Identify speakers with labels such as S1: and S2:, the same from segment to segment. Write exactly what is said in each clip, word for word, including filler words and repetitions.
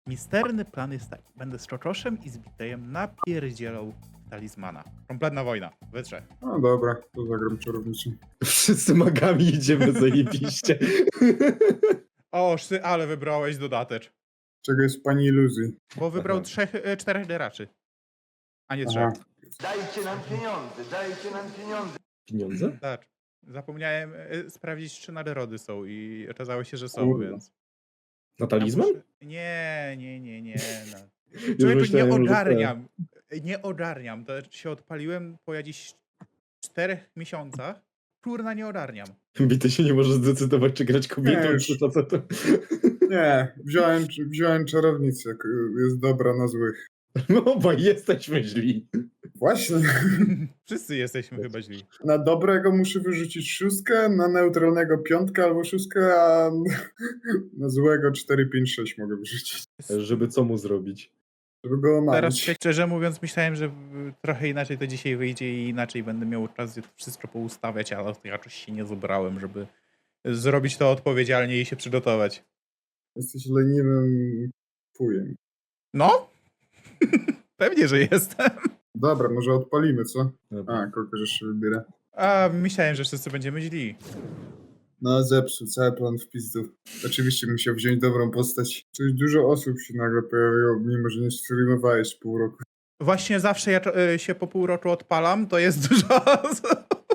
S1: Misterny plan jest taki. Będę z Czoczoszem i z Bitejem napierdzielał talizmana. Kompletna wojna. We trzech.
S2: No dobra, to zagram czarownicą.
S3: Wszyscy magami idziemy zajebiście.
S1: O, szty, ale wybrałeś dodatecz.
S2: Czego jest pani iluzji?
S1: Bo wybrał
S3: Aha.
S1: trzech, e, czterech deraczy. A nie trzech.
S2: Aha.
S4: Dajcie nam pieniądze, dajcie nam pieniądze.
S3: Pieniądze?
S1: Tak. Zapomniałem e, sprawdzić, czy naderody są i okazało się, że są,
S2: Kurwa.
S1: więc...
S3: Na talizman?
S1: Ja muszę- Nie, nie, nie, nie. No.
S3: Już
S1: Człowieku, nie
S3: myślałem, że tak.
S1: ogarniam. Nie ogarniam. To się odpaliłem po jakichś czterech miesiącach. Kurna, nie ogarniam.
S3: Bity się nie może zdecydować, czy grać kobietą,
S2: Nie, już.
S3: czy facetem.
S2: Nie, wziąłem, wziąłem czarownicę. k- Jest dobra na złych.
S3: No, bo jesteśmy źli.
S2: Właśnie.
S1: Wszyscy jesteśmy chyba źli.
S2: Na dobrego muszę wyrzucić szóstkę, na neutralnego piątkę albo szóstkę, a na złego cztery, pięć, sześć mogę wyrzucić.
S3: Żeby co mu zrobić?
S2: Żeby go
S1: Teraz
S2: omamić.
S1: szczerze mówiąc myślałem, że w- trochę inaczej to dzisiaj wyjdzie i inaczej będę miał czas to wszystko poustawiać, ale jakoś się nie zebrałem, żeby zrobić to odpowiedzialnie i się przygotować.
S2: Jesteś leniwym fujem.
S1: No? Pewnie, że jestem.
S2: Dobra, może odpalimy, co?
S3: Dobra.
S2: A, kogo jeszcze wybiera.
S1: A myślałem, że wszyscy będziemy źli.
S2: No, zepsuł cały plan w pizdu. Oczywiście musiał wziąć dobrą postać. Coś dużo osób się nagle pojawiło, mimo że nie streamowałeś pół roku.
S1: Właśnie zawsze jak e, się po pół roku odpalam, to jest dużo osób.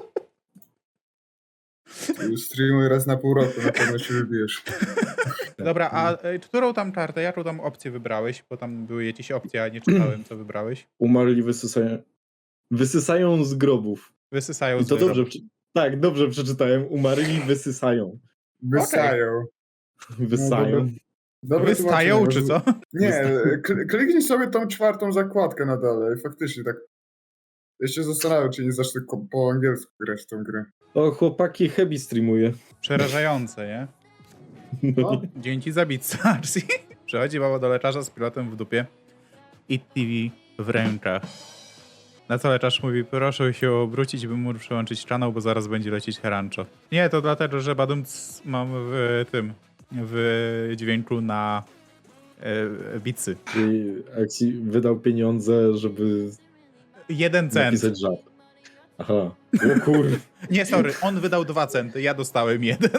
S2: Streamuj raz na pół roku, na pewno się wybijesz.
S1: Dobra, a e, którą tam kartę, jaką tam opcję wybrałeś? Bo tam były jakieś opcje, a nie czytałem, co wybrałeś.
S3: Umarli wysysają... Wysysają z grobów.
S1: Wysysają
S3: I
S1: z
S3: to
S1: wyrok.
S3: dobrze. prze- Tak, dobrze przeczytałem. Umarli wysysają.
S2: Wysają.
S3: Wysają.
S2: Dobre
S1: Wystają,
S2: tłumaczenie,
S1: czy
S2: bo-
S1: co?
S2: Nie, kl- kliknij sobie tą czwartą zakładkę na dole. Faktycznie tak. Ja się zastanawiam, czy nie zacznę ko- po angielsku grać w tą grę.
S3: O, chłopaki, Hebi streamuje.
S1: Przerażające, nie?
S2: No,
S1: Dzięki za bit Sarsi. Przechodzi baba do lekarza z pilotem w dupie i T V w rękach. Na co lekarz mówi, proszę się obrócić, bym mógł przełączyć kanał, bo zaraz będzie lecieć Herancho. Nie, to dlatego, że badumc mam w tym, w dźwięku na e, bicy.
S3: I Axi wydał pieniądze, żeby
S1: Jeden cent.
S3: napisać żart. Aha. O kur...
S1: Nie, sorry, on wydał dwa centy, ja dostałem jeden.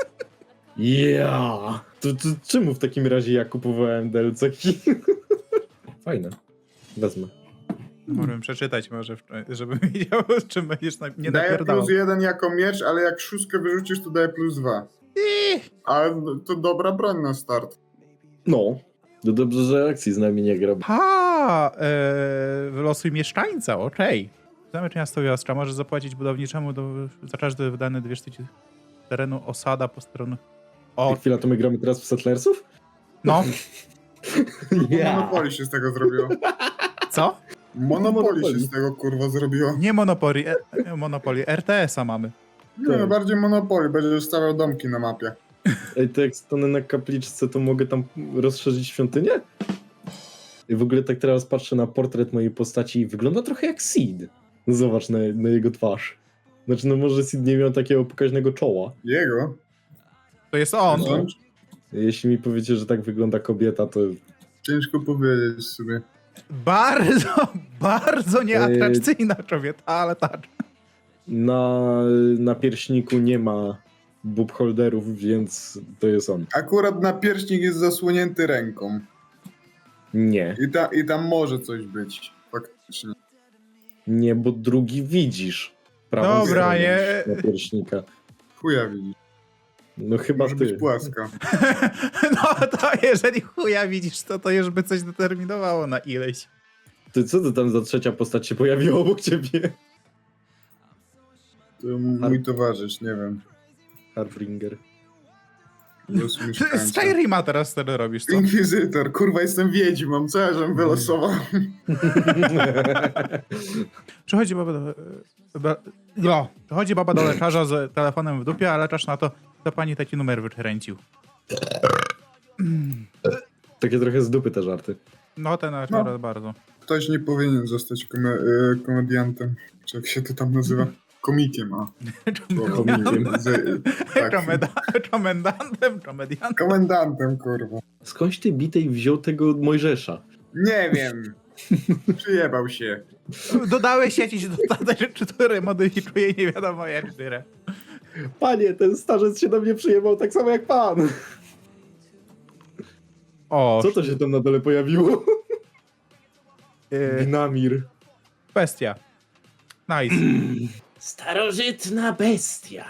S3: Yeah! To, to czemu w takim razie ja kupowałem D L C-ki? Fajne. Wezmę.
S1: Mogłem przeczytać może, żebym wiedział, z czym będziesz na, nie
S2: daję
S1: napierdalał.
S2: plus jeden jako miecz, ale jak szóstkę wyrzucisz, to daję plus dwa.
S1: Ih,
S2: Ale to dobra broń na start.
S3: No. To dobrze, że Axi z nami nie gra.
S1: Ha! E, wylosuj mieszkańca, okej. Zamek miasto Jastra może zapłacić budowniczemu do, za każde wydane dwie sztuki terenu osada po stronie.
S3: O.
S1: O,
S3: Chwila, to my gramy teraz w Settlersów?
S1: no,
S2: Monopoly się z tego zrobiło.
S1: co?
S2: Monopoly się
S3: Monopoly.
S2: z tego kurwa zrobiło.
S1: Nie Monopoly, e, Monopoly, R T S-a mamy.
S2: Nie, no bardziej Monopoly, będzie stawiał domki na mapie.
S3: Ej, to jak stanę na kapliczce, to mogę tam rozszerzyć świątynię? I w ogóle tak teraz patrzę na portret mojej postaci i wygląda trochę jak Sid. Zobacz na, na jego twarz. Znaczy, no może Sid nie miał takiego pokaźnego czoła.
S2: Jego?
S1: To jest on.
S2: No,
S3: Jeśli mi powiecie, że tak wygląda kobieta, to
S2: ciężko powiedzieć sobie.
S1: Bardzo, bardzo nieatrakcyjna kobieta, ale tak.
S3: na, na pierśniku nie ma boob holderów, więc to jest on.
S2: Akurat na pierśnik jest zasłonięty ręką.
S3: Nie.
S2: I, ta, I tam może coś być. Faktycznie.
S3: Nie, bo drugi widzisz. Prawą
S1: Dobra,
S3: stronę
S1: nie.
S3: Na pierśnika.
S2: Chuja widzisz.
S3: No chyba
S2: Może
S3: ty.
S2: być płaska.
S1: No to jeżeli chuja widzisz, to to już by coś determinowało na ileś.
S3: Ty co to tam za trzecia postać się pojawiła obok ciebie?
S2: To mój towarzysz, nie wiem.
S3: Harbringer.
S2: Los mieszkańca.
S1: Skyrima teraz wtedy robisz, co?
S2: Inkwizytor, kurwa jestem wiedźmą, co ja żem wylosował?
S1: Przychodzi baba do... Ba, no, przychodzi baba do lekarza z telefonem w dupie, a lekarz na to, to pani taki numer wykręcił.
S3: Takie trochę z dupy te żarty.
S1: No ten lekarz
S2: No.
S1: bardzo.
S2: Ktoś nie powinien zostać kome- y, komediantem, czy jak się to tam nazywa. Komikiem, a.
S3: Komikiem.
S2: Z, tak,
S1: Komenda- Komendantem, komediantem.
S2: komendantem, kurwa.
S3: Skądś ty Bitej wziął tego Mojżesza?
S2: Nie wiem. Przyjebał się.
S1: Dodałeś jakiś dodatek, który modyfikuje nie wiadomo jak tyle.
S3: Panie, ten starzec się do mnie przyjebał tak samo jak pan.
S1: O,
S3: Co to się tam na dole pojawiło?
S1: yy,
S3: Gnamir.
S1: bestia. Nice.
S3: Starożytna bestia.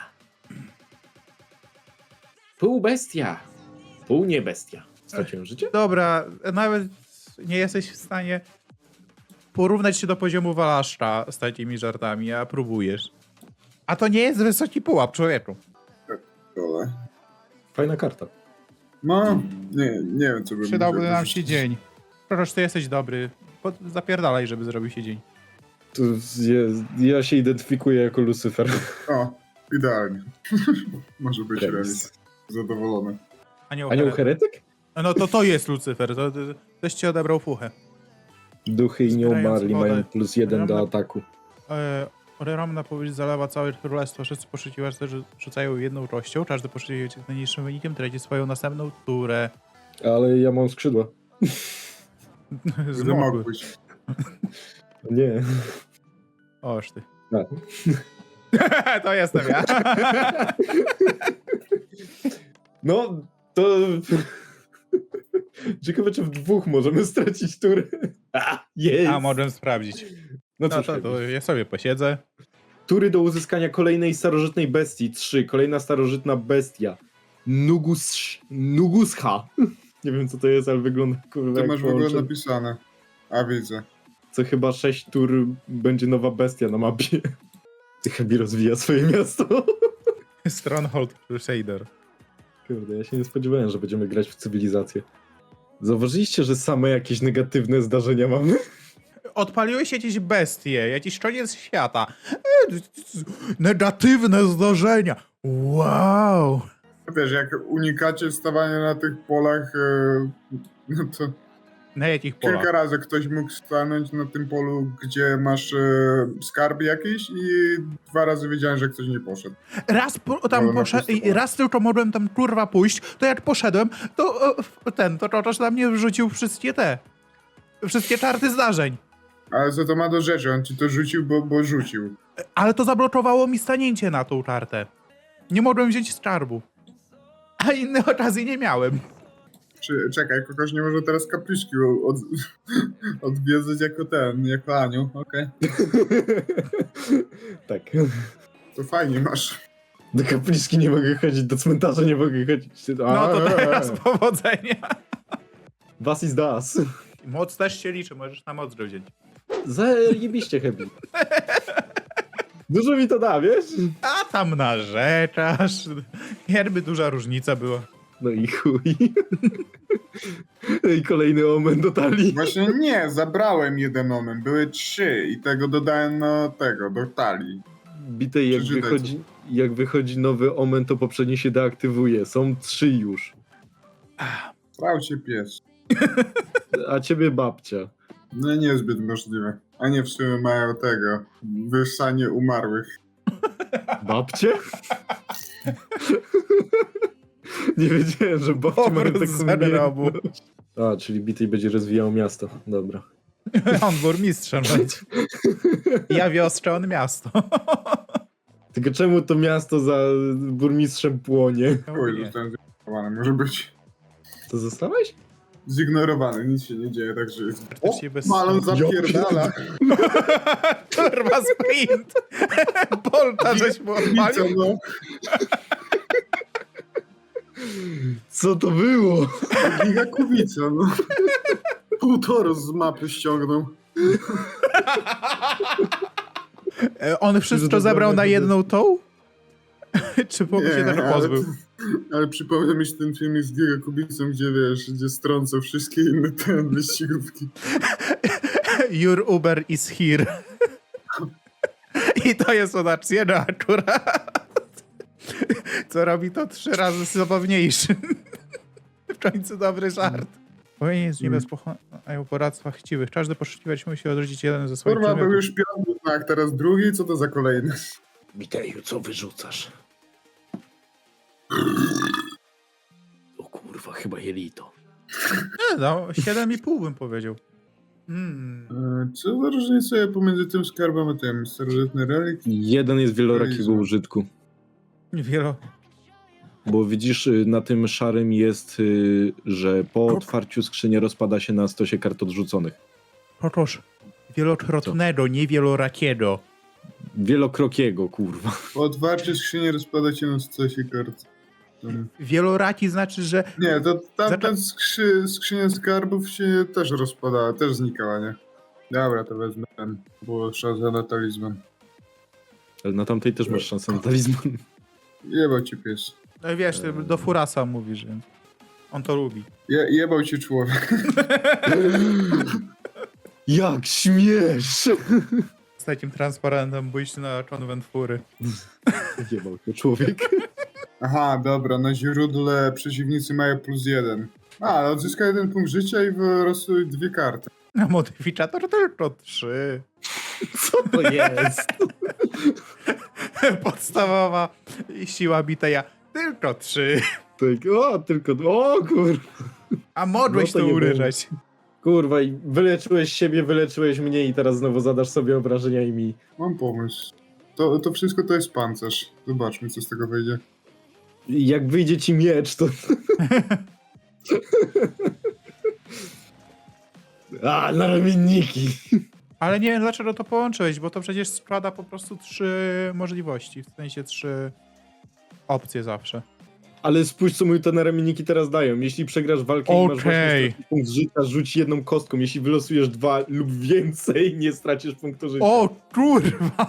S3: Pół bestia. Pół nie bestia. Straciłem życie?
S1: Dobra, nawet nie jesteś w stanie porównać się do poziomu Walaszcza z takimi żartami, a próbujesz. A to nie jest wysoki pułap, człowieku.
S2: Dole.
S3: Fajna karta.
S2: No, nie, nie wiem, co bym
S1: Przydałby
S2: mógł
S1: nam się
S2: wyrzucić.
S1: dzień. Proszę, ty jesteś dobry. Pod- Zapierdalaj, żeby zrobił się dzień.
S3: To jest, ja się identyfikuję jako Lucyfer.
S2: O, idealnie. Może być
S3: Remis.
S2: remis. Zadowolony.
S1: Anioł,
S3: Anioł
S1: Here-
S3: heretyk?
S1: No to to jest Lucyfer, to, to, ktoś ci odebrał fuchę.
S3: Duchy i nieumarli
S1: Zbierając wodę.
S3: mają plus jeden do
S1: Ramna-
S3: ataku.
S1: E, Ogromna powieść zalewa całe królestwo. Wszyscy poszukiwacze rzucają jedną kością. Każdy poszukiwacz z najniższym wynikiem traci swoją następną turę.
S3: Ale ja mam skrzydła.
S2: Nie
S1: Zmokły.
S2: mogłeś.
S3: Nie.
S1: Oż ty.
S3: No.
S1: To jestem ja.
S3: No, to... Ciekawe, czy w dwóch możemy stracić turę. A, jest!
S1: A możemy sprawdzić.
S3: No
S1: No
S3: cóż,
S1: to, to ja sobie posiedzę.
S3: tury do uzyskania kolejnej starożytnej bestii. Trzy. Kolejna starożytna bestia. Nugus... Nuguscha. Nie wiem, co to jest, ale wygląda kurwa
S2: To
S3: jak
S2: masz w ogóle
S3: połączenie.
S2: napisane. A widzę.
S3: Co chyba sześć tur będzie nowa bestia na mapie. Chyba rozwija swoje miasto.
S1: Stronghold Crusader.
S3: Kurde, ja się nie spodziewałem, że będziemy grać w cywilizację. Zauważyliście, że same jakieś negatywne zdarzenia mamy?
S1: Odpaliłeś jakieś bestie, jakiś koniec świata. E, Negatywne zdarzenia. Wow.
S2: Wiesz, jak unikacie stawania na tych polach, e, no to
S1: Na jakich polach?
S2: kilka razy ktoś mógł stanąć na tym polu, gdzie masz e, skarb jakiś i dwa razy wiedziałem, że ktoś nie poszedł.
S1: Raz po, tam
S2: No, na
S1: poszedł,
S2: pusto.
S1: raz tylko mogłem tam kurwa pójść, to jak poszedłem, to e, ten, to Totosz na mnie wrzucił wszystkie te, wszystkie czarty zdarzeń.
S2: Ale co to ma do rzeczy? On ci to rzucił, bo, bo rzucił.
S1: Ale to zablokowało mi stanięcie na tą czartę. Nie mogłem wziąć skarbu. A innej okazji nie miałem.
S2: Czy, czekaj, kogoś nie może teraz kapliczki od, odwiedzać jako ten, jako Aniu, okej.
S3: Tak.
S2: To fajnie masz.
S3: Do kapliczki nie mogę chodzić, do cmentarza nie mogę chodzić.
S1: No to teraz powodzenia.
S3: Was is das.
S1: Moc też się liczy, możesz na moc go wziąć.
S3: Zajebiście, Hebi. Dużo mi to da, wiesz?
S1: A tam narzekasz. Jakby duża różnica była.
S3: No i chuj. No i kolejny omen do talii.
S2: Właśnie nie, zabrałem jeden omen, były trzy i tego dodałem do tego, do talii.
S3: Bitej, jak
S2: Przeczytaj,
S3: wychodzi, jak wychodzi nowy omen, to poprzedni się deaktywuje. Są trzy już.
S2: Trał cię pies.
S3: A ciebie babcia.
S2: No niezbyt możliwe. A nie w sumie mają tego, wyssanie umarłych.
S3: Babcie? Nie wiedziałem, że babcie mają
S1: Powrót
S3: taką
S1: z grobu.
S3: umiejętność. A, czyli Bitej będzie rozwijał miasto. Dobra.
S1: On burmistrzem będzie. Ja wiostrzę, on miasto.
S3: Tylko czemu to miasto za burmistrzem płonie?
S2: Oj, zostałem zignorowany, może być.
S3: To zostałeś?
S2: Zignorowany, nic się nie dzieje, także jest...
S1: Praktycznie bez-
S2: Malon zapierdala.
S1: Kurwa sprint! Bolta żeś mu
S2: Widzę,
S1: odpalił.
S2: no.
S3: Co to było?
S2: Giga Kubica, no. Półtoros z mapy ściągnął.
S1: E, On wszystko
S3: Że
S1: zebrał na
S3: dobrze,
S1: jedną tą? Czy po się tego
S2: ale,
S1: pozbył?
S2: ale przypomnę mi się ten filmik z Giga Kubicą, gdzie wiesz, gdzie strącał wszystkie inne te wyścigówki.
S1: Your Uber is here. I to jest od Actiego akurat. Co robi to trzy razy zabawniejszym. W końcu dobry żart. Powinien jest nie bez pochłaniał poradztwa chciwych. Każdy poszukiwać musi odrodzić jeden ze swoich
S2: Kurwa, był
S1: przedmiotów.
S2: już piąty znak, teraz drugi, co to za kolejny?
S3: Witeju, co wyrzucasz? O kurwa, chyba jelito.
S1: Nie no, siedem i pół bym powiedział. Hmm.
S2: E, Co za różnica pomiędzy tym skarbem a tym? Starożytny relik?
S3: Jeden jest wielorakiego
S2: Jezu.
S3: użytku.
S1: Wielo...
S3: Bo widzisz, y, na tym szarym jest, y, że po otwarciu skrzyni rozpada się na stosie kart odrzuconych.
S1: Otóż wielokrotnego, nie wielorakiego.
S3: Wielokrokiego, kurwa.
S2: Po otwarciu skrzyni rozpada się na stosie kart. Tam.
S1: Wieloraki znaczy, że
S2: Nie, to tamten
S1: Zaczę-
S2: skrzy, skrzynia skarbów się też rozpadała, też znikała, nie? Dobra, to wezmę ten, było szansa na talizman.
S3: Ale na tamtej też masz szansę na talizman.
S2: Jebał ci pies.
S1: no wiesz, ty do Furasa mówisz, więc on to lubi.
S2: Je, jebał ci człowiek.
S3: Jak śmiesz!
S1: Z takim transparentem pójść na konwent Fury.
S3: Jebał to człowiek.
S2: Aha, dobra, na źródle przeciwnicy mają plus jeden. A, ale odzyska jeden punkt życia i wylosuj dwie karty.
S1: A modyfikator tylko trzy.
S3: Co to jest?
S1: Podstawowa siła biteja tylko trzy.
S3: Tak, o, tylko, o kurwa.
S1: A mogłeś
S3: No to
S1: to
S3: nie
S1: uryżać.
S3: Kurwa, i wyleczyłeś siebie, wyleczyłeś mnie i teraz znowu zadasz sobie obrażenia i mi.
S2: Mam pomysł. To, to wszystko to jest pancerz. Zobaczmy, co z tego wyjdzie.
S3: Jak wyjdzie ci miecz, to... A, na ramienniki.
S1: Ale nie wiem dlaczego to połączyłeś, bo to przecież składa po prostu trzy możliwości. W sensie trzy opcje zawsze.
S3: Ale spójrz, co mi te naramienniki teraz dają. Jeśli przegrasz walkę i masz
S1: Okej.
S3: właśnie punkt życia, rzuć jedną kostką. Jeśli wylosujesz dwa lub więcej, nie stracisz punktu życia.
S1: O kurwa!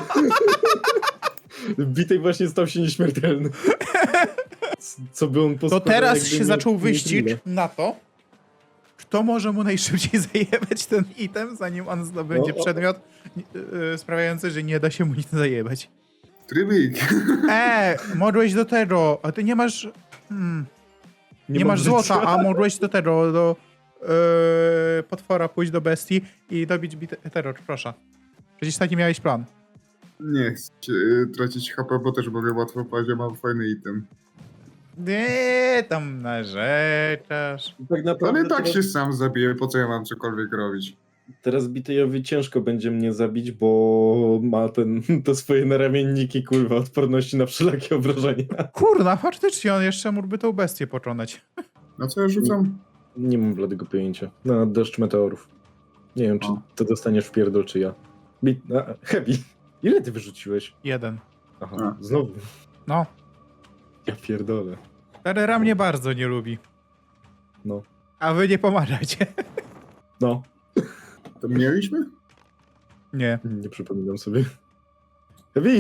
S3: Bitej właśnie stał się nieśmiertelny. Co by on
S1: To
S3: poskładał,
S1: teraz
S3: jakby
S1: się
S3: nie-
S1: zaczął
S3: nie
S1: wyścig
S3: tyle.
S1: na to, kto może mu najszybciej zajebać ten item, zanim on zdobędzie
S3: O, o.
S1: przedmiot yy, sprawiający, że nie da się mu nic zajebać.
S2: Trybik.
S1: E, mogłeś do tego, a ty nie masz... Hmm, nie,
S3: mam
S1: masz
S3: życia.
S1: złota, a mogłeś do tego, do yy, potwora pójść do bestii i dobić bite- terror, proszę. Przecież taki miałeś plan.
S2: Nie chcę y, tracić H P, bo też mogę łatwo paść, ja mam fajny item.
S1: Nie, tam narzekasz.
S3: Tak naprawdę
S2: Ale i tak
S3: teraz,
S2: się sam zabiję, po co ja mam cokolwiek robić?
S3: teraz Bitejowi ciężko będzie mnie zabić, bo ma ten, te swoje naramienniki, kurwa, odporności na wszelakie obrażenia.
S1: Kurna, faktycznie on jeszcze mógłby tą bestię pokonać.
S2: Na co ja rzucam?
S3: Nie mam bladego pojęcia. Na deszcz meteorów. Nie wiem, czy
S2: O.
S3: to dostaniesz w pierdol, czy ja. Bit, a, heavy. Ile ty wyrzuciłeś?
S1: Jeden.
S3: Aha,
S2: A.
S3: znowu.
S1: No,
S3: Ja pierdolę.
S1: Terrera mnie bardzo nie lubi.
S3: No.
S1: A wy nie pomagacie.
S3: No.
S2: To mieliśmy?
S1: Nie.
S3: Nie przypominam sobie. Heavy!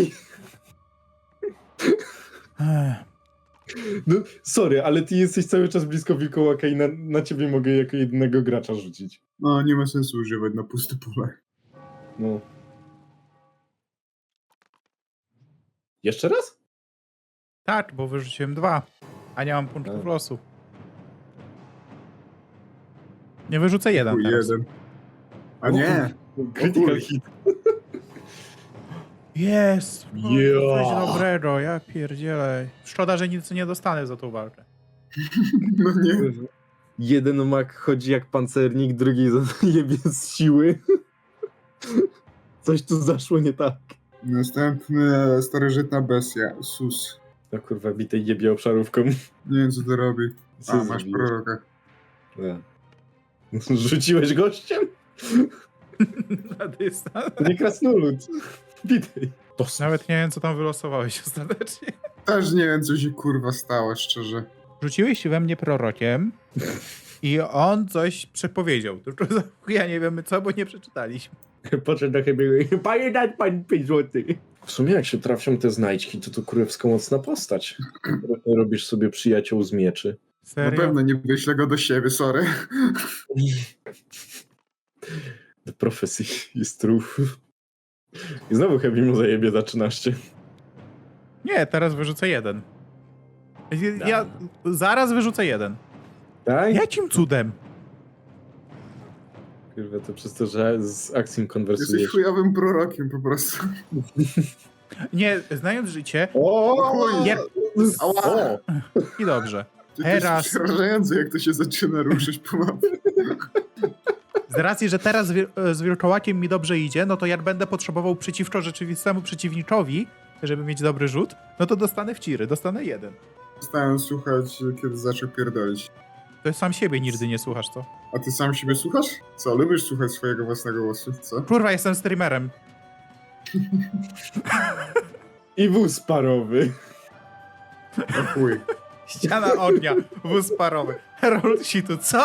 S1: Ech.
S3: No, sorry, ale ty jesteś cały czas blisko wilkołaka i na, na ciebie mogę jako jedynego gracza rzucić.
S2: No, nie ma sensu używać na puste pole.
S3: No. Jeszcze raz?
S1: Tak, bo wyrzuciłem dwa, a nie mam punktów
S3: A.
S1: losu. Nie wyrzucę jeden
S2: Chuj,
S1: teraz.
S2: jeden. A nie!
S3: Critical hit.
S1: Jest! No,
S3: Ja.
S1: Coś dobrego, ja pierdzielę. Szkoda, że nic nie dostanę za tą walkę.
S2: No nie.
S3: Jeden mak chodzi jak pancernik, drugi jebie z siły. Coś tu zaszło nie tak.
S2: Następny starożytna bestia, Sus.
S3: No kurwa, bitej jebie obszarówką.
S2: Nie wiem, co to robi.
S3: Co
S2: A, masz
S3: zrobiłeś?
S2: proroka.
S3: Nie. Rzuciłeś gościem?
S1: Na dystans.
S3: To nie krasnolud. Bitej.
S1: Nawet nie wiem, co tam wylosowałeś ostatecznie.
S2: Też nie wiem, co się kurwa stało, szczerze.
S1: Rzuciłeś we mnie prorokiem i on coś przepowiedział. Tylko za ja nie wiemy co, bo nie przeczytaliśmy.
S3: Poszedł do chyba. Panie, daj pan pięć złotych. W sumie jak się trafią te znajdźki, to to królewsko mocna postać. Robisz sobie przyjaciół z mieczy.
S2: Na
S1: Serio?
S2: pewno nie wyślę go do siebie, sorry.
S3: The Prophecy jest true. I znowu Heavy mu zajebie za trzynaście.
S1: Nie, teraz wyrzucę jeden. Ja, ja zaraz wyrzucę jeden.
S3: Tak?
S1: Jakim cudem?
S3: Kurwa, to przez to, że z akcją
S2: Jesteś
S3: konwersujesz.
S2: chujowym prorokiem po prostu.
S1: Nie, znając życie
S3: O,
S2: chuj.
S1: Ja-
S3: o,
S1: i dobrze.
S2: To
S1: Teraz-
S2: jest przerażające, jak to się zaczyna ruszyć po mapie.
S1: Z racji, że teraz z, wir- z wilkołakiem mi dobrze idzie, no to jak będę potrzebował przeciwko rzeczywistemu przeciwniczowi, żeby mieć dobry rzut, no to dostanę w ciry, dostanę jeden.
S2: Stałem słuchać, kiedy zaczął pierdolić.
S1: To sam siebie nigdy nie słuchasz, co?
S2: A ty sam siebie słuchasz? Co, lubisz słuchać swojego własnego głosu, co?
S1: Kurwa, jestem streamerem.
S3: i wóz parowy.
S2: O chuj.
S1: Ściana ognia, wóz parowy. Harold Situ, co?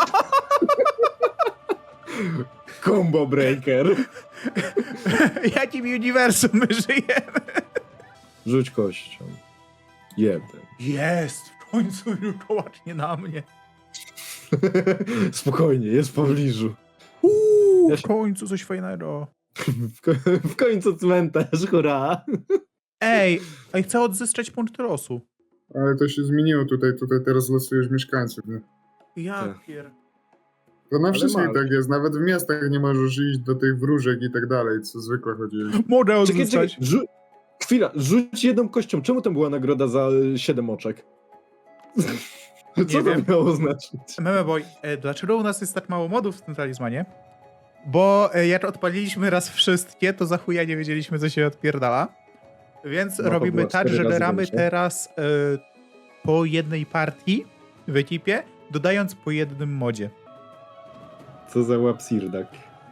S3: Combo breaker.
S1: Jakim uniwersum my żyjemy?
S3: Rzuć kością. Jeden.
S1: Jest, w końcu wilkołak nie na mnie.
S3: Spokojnie, jest w pobliżu.
S1: Uuu,
S3: Ja
S1: w
S3: się-
S1: końcu coś fajnego.
S3: W, ko w końcu cmentarz, hurra.
S1: Ej, ej, chcę odzyskać punkt losu.
S2: Ale to się zmieniło tutaj, tutaj teraz losujesz mieszkańców, nie?
S1: Ja
S3: Tak.
S1: pier...
S2: To na
S3: Ale
S2: wszystkich
S3: masz.
S2: tak jest, nawet w miastach nie możesz iść do tych wróżek i tak dalej, co zwykle chodzili.
S1: Mogę
S3: Czekaj, czekaj.
S1: odzyskać.
S3: Rzu Chwila, rzuć jedną kością. Czemu tam była nagroda za y, siedem oczek? Co to
S1: wiem.
S3: miało znaczyć?
S1: Meme boy, e, dlaczego u nas jest tak mało modów w tym talizmanie? Bo e, jak odpaliliśmy raz wszystkie, to za chuja nie wiedzieliśmy, co się odpierdala. Więc
S3: Mapa
S1: robimy
S3: była
S1: tak,
S3: cztery
S1: że
S3: razy
S1: gramy
S3: większa.
S1: teraz e, po jednej partii w ekipie, dodając po jednym modzie.
S3: Co za łapsirdak.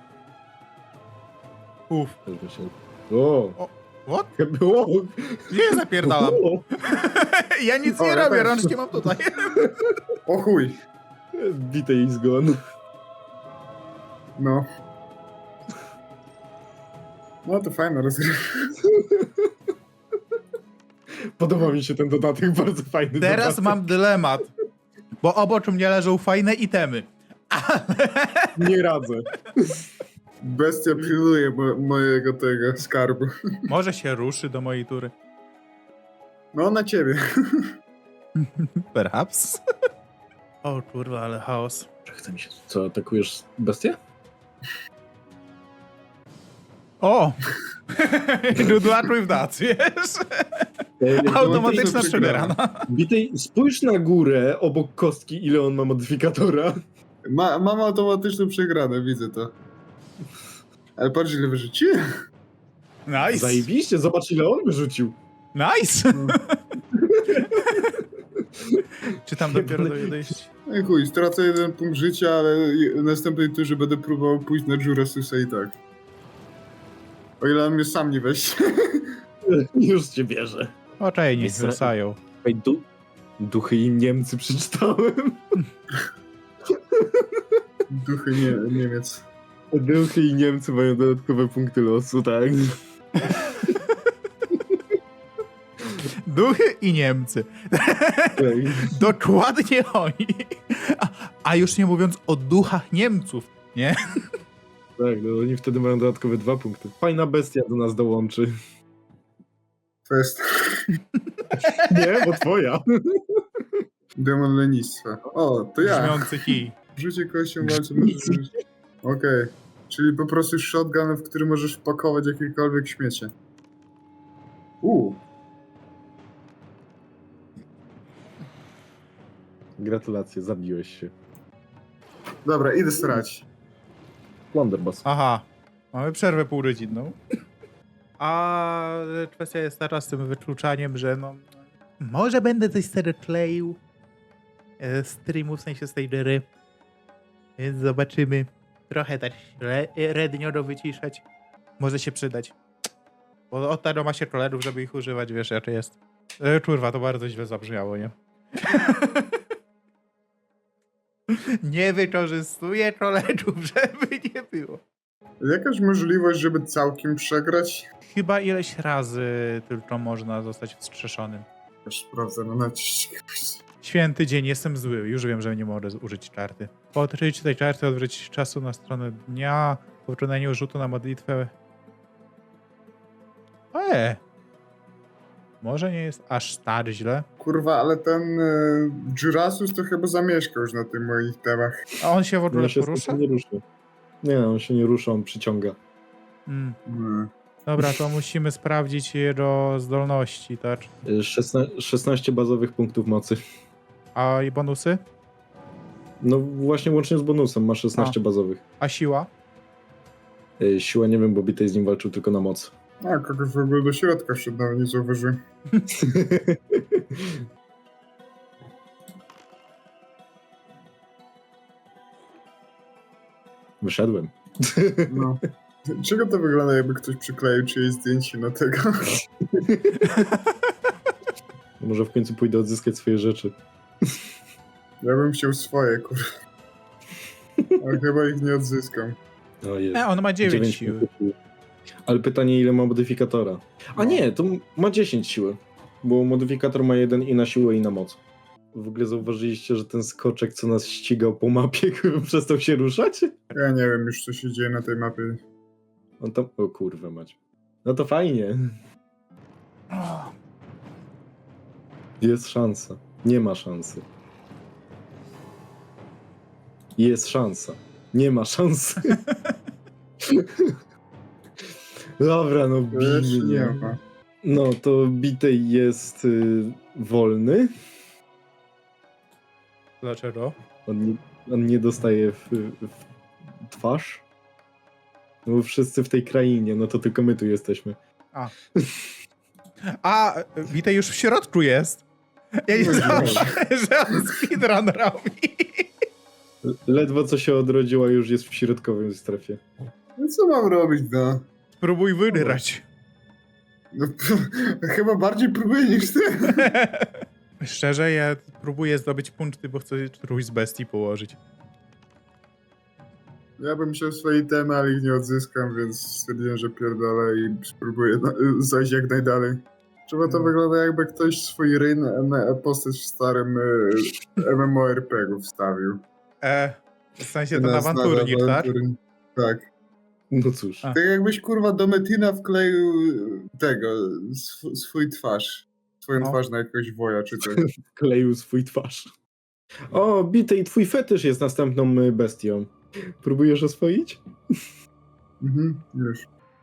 S1: Uff.
S3: Też by się- O!
S1: What?
S3: Było!
S1: Nie zapierdalam.
S3: O!
S1: Ja nic
S2: O,
S1: nie
S2: ja
S1: robię,
S2: też.
S1: rączki mam tutaj.
S2: O chuj!
S3: Bite i zgon.
S2: No. No to fajna rozgrywka.
S3: Podoba mi się ten dodatek, bardzo fajny
S1: Teraz
S3: dodatek.
S1: mam dylemat. Bo obok mnie leżą fajne itemy.
S3: Nie radzę.
S2: Bestia pilnuje mo mojego tego skarbu.
S1: Może się ruszy do mojej tury.
S2: No na ciebie.
S1: Perhaps. O kurwa, ale chaos.
S3: Chce mi się... Co, atakujesz bestię?
S1: O! Good luck with that, wiesz? Automatyczna przegrana.
S3: Bitej, spójrz na górę obok kostki, ile on ma modyfikatora.
S2: Ma mam automatyczną przegranę, widzę to. Ale patrz ile wyrzuciłem.
S1: Nice.
S3: Zajebiście, zobacz ile on wyrzucił.
S1: Nice. Czy tam dopiero
S3: Jebany-
S1: dojść?
S2: No chuj, stracę jeden punkt życia, ale w następnej turze będę próbował pójść na Jurasusa i tak. O ile on mnie sam nie weźmie.
S3: Już cię bierze.
S1: Oczej, niech
S3: Jest-
S1: wracają.
S3: Ej, du duchy i Niemcy przeczytałem.
S2: Duchy nie, Niemiec.
S3: Duchy i Niemcy mają dodatkowe punkty losu, tak?
S1: Duchy i Niemcy.
S3: Ej,
S1: Dokładnie oni. A, a już nie mówiąc o duchach Niemców, nie?
S3: tak, no oni wtedy mają dodatkowe dwa punkty. Fajna bestia do nas dołączy.
S2: To jest
S3: Nie, bo twoja.
S2: demon lenistwa. O, to ja.
S1: Brzmiący kij.
S2: Rzucie kością walczy możesz użyć. Okej. Czyli po prostu shotgun, w który możesz wpakować jakiekolwiek śmiecie. Uuu.
S3: Gratulacje, zabiłeś się.
S2: Dobra, idę starać.
S3: Blunderbuss.
S1: Aha. Mamy przerwę półrodzinną. A kwestia jest taka z tym wykluczaniem, że no... Może będę coś sobie kleił e, streamu, w sensie z tej gry. Więc zobaczymy. Trochę tak re, rednio wyciszać. Może się przydać. Bo od tego ma się kolerów, żeby ich używać, wiesz jak to jest. E, kurwa, to bardzo źle zabrzmiało, nie? Nie wykorzystuję kolerów, żeby nie było.
S2: Jakaś możliwość, żeby całkiem przegrać?
S1: Chyba ileś razy tylko można zostać wstrzeszonym.
S2: Już sprawdzę na nacisk.
S1: Święty dzień, jestem zły. Już wiem, że nie mogę użyć karty. Po odkryciu tej karty odwrócić czasu na stronę dnia. Po wykonaniu rzutu na modlitwę. Eee. Może nie jest aż tak źle.
S2: Kurwa, ale ten y, Jurasus to chyba zamieszkał już na tych moich temach.
S1: A on się w ogóle
S3: On się
S1: porusza?
S3: nie rusza. Nie, on się nie rusza, on przyciąga.
S1: Mm.
S2: Mm.
S1: Dobra, to musimy sprawdzić jego zdolności, tak?
S3: Y, szesna- szesnaście bazowych punktów mocy.
S1: A i bonusy?
S3: No właśnie łącznie z bonusem ma szesnaście bazowych.
S1: A siła?
S3: Y, siła nie wiem, bo Bitej z nim walczył tylko na moc.
S2: A, kogoś w ogóle do środka wszedł, nawet nie zauważyłem.
S3: Wyszedłem.
S2: No. Czego to wygląda, jakby ktoś przykleił czyjeś zdjęcie na tego?
S3: Może w końcu pójdę odzyskać swoje rzeczy.
S2: Ja bym chciał swoje, kurwa. Ale chyba ich nie odzyskam.
S3: O, jest.
S1: E, on ma dziewięć
S3: dziewięć
S1: siły.
S3: punktów siły. Ale pytanie, ile ma modyfikatora? A nie, to ma dziesięć siły. Bo modyfikator ma jeden i na siłę, i na moc. W ogóle zauważyliście, że ten skoczek, co nas ścigał po mapie, przestał się ruszać?
S2: Ja nie wiem już, co się dzieje na tej mapie.
S3: On tam... O kurwa mać. No to fajnie. Jest szansa. Nie ma szansy. Jest szansa. Nie ma szansy. Dobra, no
S2: Jeszcze
S3: bij
S2: nie
S3: mnie.
S2: ma.
S3: No to Bitej jest y, wolny.
S1: Dlaczego?
S3: On nie, on nie dostaje w, w twarz. No bo wszyscy w tej krainie, no to tylko my tu jesteśmy.
S1: A, Witaj już w środku jest. Ja nie
S2: No,
S1: słyszałem,
S2: no.
S1: że on speedrun robi.
S3: Ledwo co się odrodziła, już jest w środkowym strefie.
S2: No co mam robić, no?
S1: Spróbuj wygrać.
S2: no chyba bardziej próbuję niż ty.
S1: Szczerze, ja próbuję zdobyć punkty, bo chcę którąś z bestii położyć.
S2: Ja bym chciał swoje temy, ale ich nie odzyskam, więc stwierdziłem, że pierdolę i spróbuję na, zajść jak najdalej. Trzeba to
S1: No.
S2: wygląda, jakby ktoś swój ryn na postać w starym e, MMORPG-u wstawił.
S1: E, w sensie ten awanturnik,
S2: na-
S1: tak?
S2: awanturnik. Tak.
S3: No cóż.
S1: A.
S2: Tak jakbyś kurwa do Metina wkleił tego, sw swój twarz. Swoją
S1: No.
S2: twarz na jakiegoś woja czy coś.
S3: Kleił swój twarz. O, Bitej, twój fetysz jest następną y, bestią. Próbujesz oswoić?
S2: Mhm, już.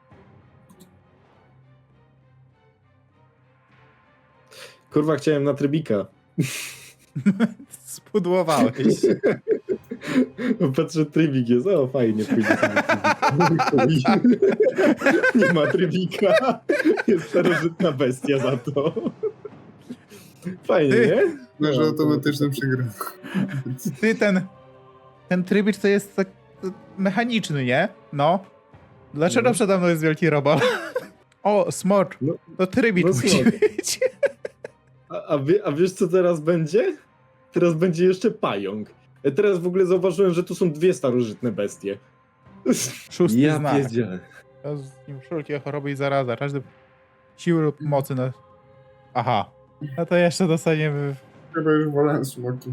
S3: Kurwa, chciałem na trybika.
S1: Spudłowałeś.
S3: Patrzę, trybik jest. O, fajnie, pójdę sobie trybika. Nie ma trybika. Jest starożytna bestia za to. Fajnie,
S1: Ty.
S3: nie?
S2: Masz
S3: No,
S2: automatyczne przegranie.
S1: Ty, ten, ten trybicz to jest tak to mechaniczny, nie? No. Dlaczego
S3: No.
S1: przede mną jest wielki robot? O, smok.
S3: No,
S1: To trybicz
S3: no
S1: musi
S3: smok.
S1: być.
S3: A, a, wie, a wiesz, co teraz będzie? Teraz będzie jeszcze pająk. E, Teraz w ogóle zauważyłem, że tu są dwie starożytne bestie.
S1: Szósty
S3: Ja
S1: znak.
S3: pierdzielę.
S1: To z nim wszelkie choroby i zaraza. Każdy siły lub mocy na... Aha. No to jeszcze dostaniemy...
S2: Chyba już wolałem smoki.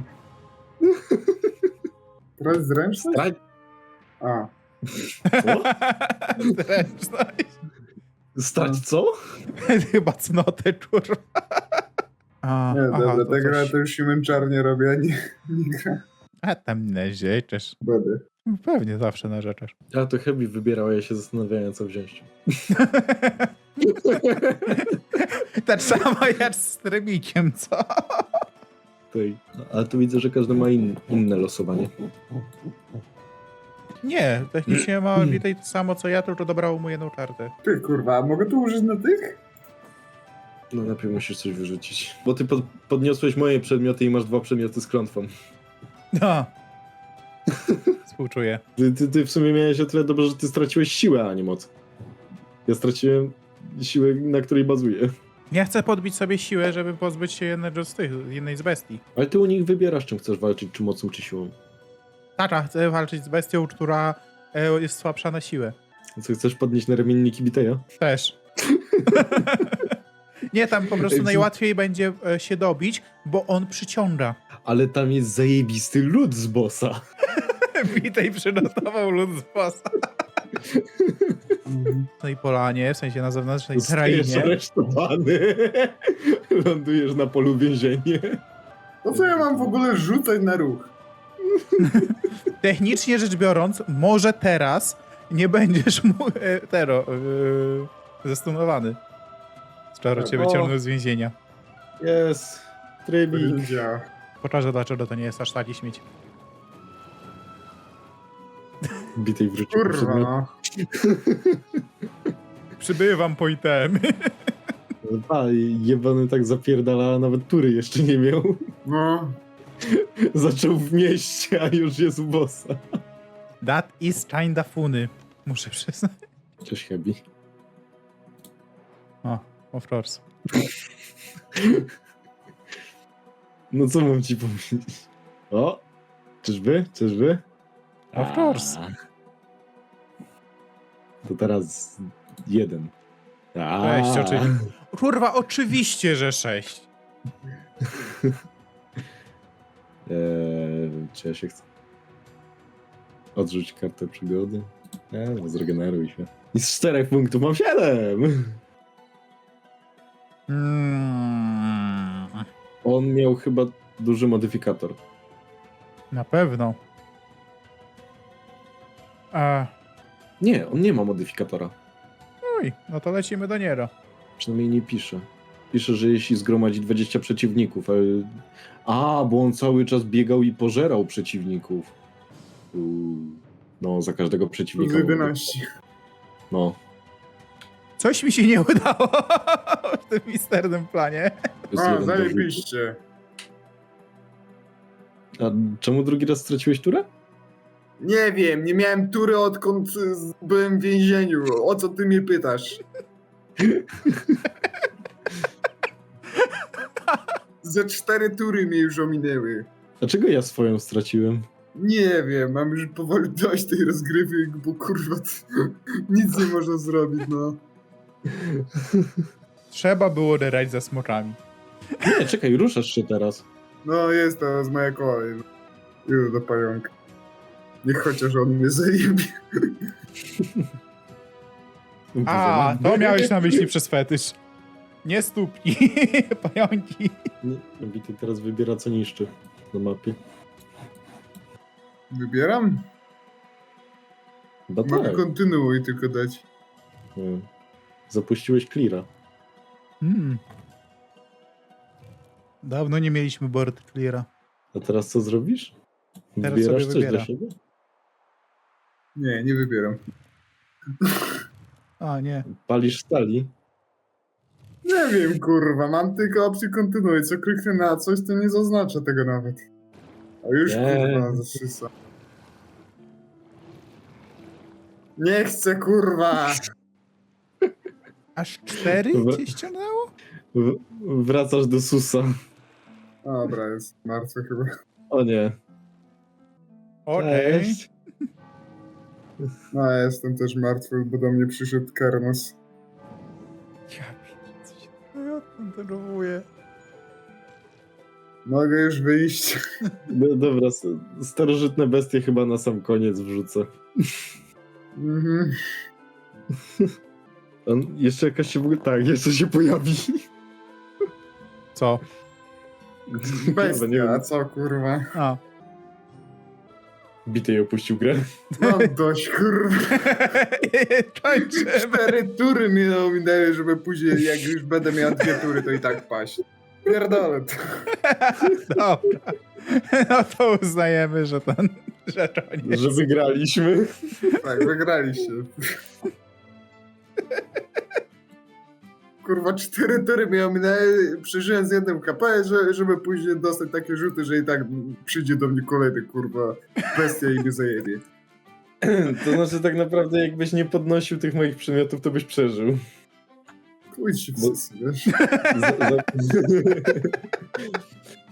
S2: Teraz zręczność?
S3: Stra-
S2: A.
S3: Co?
S1: Zręczność.
S3: Stać co?
S1: Chyba cnotę, kurwa. A,
S2: Nie,
S1: aha,
S2: dobra,
S1: to
S2: ta gra
S1: coś-
S2: to już się męczarnie robi, a nie, nie gra.
S1: A tam narzeczesz.
S2: Będę.
S1: Pewnie zawsze narzeczesz.
S3: A to Heavy wybierał, a ja się zastanawiałem, co wziąć.
S1: Tak samo jak z trybikiem, co?
S3: Tutaj. Ale tu widzę, że każdy ma in, inne losowanie.
S1: Nie, technicznie ma Witaj to samo co ja, tylko dobrało mu jedną kartę.
S2: Ty kurwa, a mogę to użyć na tych?
S3: No najpierw musisz coś wyrzucić. Bo ty pod, podniosłeś moje przedmioty i masz dwa przedmioty z klątwą.
S1: No. Współczuję.
S3: Ty, ty, ty w sumie miałeś o tyle dobrze, że ty straciłeś siłę, a nie moc. Ja straciłem siłę, na której bazuję.
S1: Nie chcę podbić sobie siłę, żeby pozbyć się jednego z tych, jednej z bestii.
S3: Ale ty u nich wybierasz, czym chcesz walczyć, czy mocą, czy siłą.
S1: Tacza, chcę walczyć z bestią, która e, jest słabsza na siłę.
S3: Co, chcesz podnieść na ramienniki Biteja?
S1: Też. Nie, tam po prostu
S3: Ej,
S1: najłatwiej będzie e, się dobić, bo on przyciąga.
S3: Ale tam jest zajebisty lód z bossa.
S1: Witaj przygotował lud z bossa. No i polanie, w sensie na zewnętrznej
S3: Zostajesz
S1: krainie.
S3: aresztowany. Lądujesz na polu więzienia.
S2: To co ja mam w ogóle rzucać na ruch?
S1: Technicznie rzecz biorąc, może teraz nie będziesz mógł... E, tero... E, Zestunowany. Czaro cię
S3: O.
S1: wyciągnął z więzienia.
S3: Jest.
S2: To
S3: Trybik.
S2: nie działa.
S1: Pokażę dlaczego to nie jest aż taki śmieć.
S3: Bitej wrócił.
S2: Kurwa, no.
S1: Przybywam po itemy.
S3: A, jebany tak zapierdala, a nawet tury jeszcze nie miał.
S2: No.
S3: Zaczął w mieście, a już jest u bossa.
S1: That is kinda funny. Muszę przyznać.
S3: Cześć, Hebi.
S1: O, of course.
S3: No co mam ci powiedzieć? O! Czyżby? Czyżby?
S1: Of course.
S3: A. To teraz jeden. A.
S1: Sześć, oczywiście. Kurwa, oczywiście, że sześć.
S3: Eee, czy ja się chcę? Odrzuć kartę przygody. Eee, no zregeneruj się. I z czterech punktów mam siedem!
S1: Mm,
S3: On miał chyba duży modyfikator.
S1: na pewno. A,
S3: Nie, on nie ma modyfikatora.
S1: uj, no to lecimy do Niero.
S3: Przynajmniej nie pisze. Pisze, że jeśli zgromadzi dwadzieścia przeciwników. Ale... A, bo on cały czas biegał i pożerał przeciwników. Uuu. No, za każdego
S2: Plus
S3: przeciwnika.
S2: jedenaście.
S3: No.
S1: Coś mi się nie udało w tym misternym planie.
S3: Plus
S2: A,
S3: jeden do rzutu.
S2: zajebiście.
S3: A czemu drugi raz straciłeś turę?
S2: Nie wiem, nie miałem tury odkąd y, z- byłem w więzieniu. O co ty mnie pytasz? Ze cztery tury mnie już ominęły.
S3: Dlaczego ja swoją straciłem?
S2: Nie wiem, mam już powoli dość tej rozgrywki, bo kurwa t- nic nie można zrobić, no.
S1: Trzeba było derać za smokami.
S3: Nie, czekaj, ruszasz się teraz.
S2: No jest to z moja kolej. Idę do pająka. Niech chociaż on mnie zajebie.
S1: A, to miałeś na myśli przez fetysz. Nie stópki, pająki.
S3: Nie, Bity teraz wybiera co niszczy na mapie.
S2: Wybieram?
S3: Chyba
S2: Mogę
S3: tak.
S2: kontynuuj tylko dać.
S3: Nie. Zapuściłeś cleara.
S1: Hmm. Dawno nie mieliśmy board cleara.
S3: A teraz co zrobisz?
S1: Teraz
S3: Wybierasz
S1: sobie
S3: coś
S1: wybiera.
S3: dla siebie?
S2: Nie, nie wybieram.
S1: A, nie.
S3: Palisz stali?
S2: Nie wiem, kurwa, mam tylko opcję kontynuuj. Co kliknę na coś, to nie zaznacza tego nawet. A już
S3: Nie.
S2: kurwa zasysa. Nie chcę, kurwa!
S1: Aż cztery
S3: Dobra.
S1: cię ściągnęło?
S3: W wracasz do Susa.
S2: Dobra, jest martwy chyba.
S3: O nie.
S1: Okej.
S3: Cześć.
S2: No, ja jestem też martwy, bo do mnie przyszedł Karnos.
S1: Ja pierdolę, co się ja tam denerwuję.
S2: Mogę już wyjść.
S3: No, dobra, s- starożytne bestie chyba na sam koniec wrzucę.
S2: Mhm.
S3: On jeszcze jakaś się w ogóle... Tak, jeszcze się pojawi.
S1: Co?
S3: Chyba nie
S2: Bestia,
S3: wiem.
S2: a co, kurwa?
S1: A.
S3: Bitej opuścił grę.
S2: Mam dość, kurwa.
S1: Kończymy.
S2: Cztery tury mnie ominęły, żeby później, jak już będę miał dwie tury, to i tak paść. Pierdolę to.
S1: Dobra. No to uznajemy, że ten... Że to nie
S3: Że wygraliśmy.
S2: Tak, wygraliście. Kurwa, cztery tury mnie ominęły, przeżyłem z jednym K P, że, żeby później dostać takie rzuty, że i tak przyjdzie do mnie kolejny, kurwa, bestia i mnie zajebie.
S3: To znaczy tak naprawdę jakbyś nie podnosił tych moich przedmiotów, to byś przeżył.
S2: Pójdź się w
S3: Bo-
S2: sesji, wiesz?
S3: Za, za...